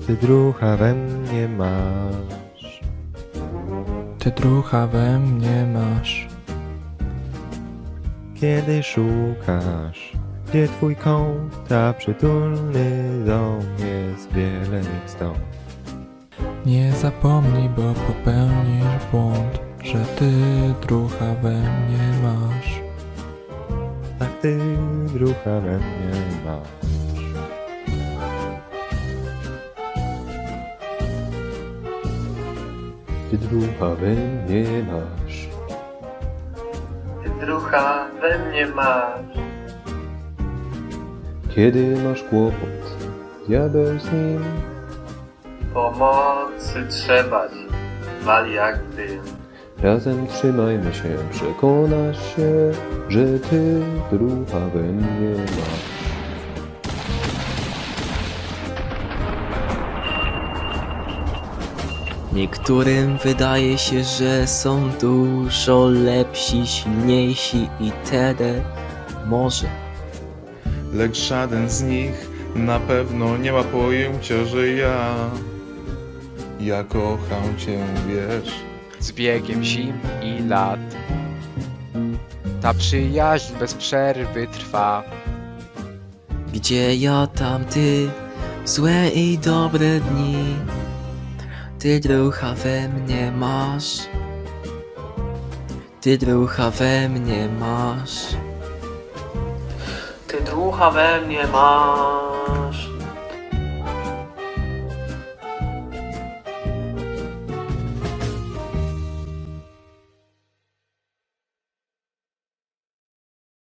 Ty drucha we mnie masz. Ty drucha we mnie masz. Kiedy szukasz, gdzie twój kąt, a przytulny dom jest wiele ich stąd. Nie zapomnij, bo popełnisz błąd, że ty drucha we mnie masz. Tak ty drucha we mnie masz. Ty drucha we mnie masz. Ty drucha we mnie masz. Kiedy masz kłopot, diabeł z nim. Pomocy trzeba ci, wali jak dym. Razem trzymajmy się, przekonasz się, że ty drucha we mnie masz. Niektórym wydaje się, że są dużo lepsi, silniejsi itd. Może. Lecz żaden z nich na pewno nie ma pojęcia, że ja kocham cię, wiesz. Z biegiem zim i lat ta przyjaźń bez przerwy trwa. Gdzie ja, tam ty, złe i dobre dni. Ty drucha we mnie masz. Ty drucha we mnie masz. Ty drucha we mnie masz.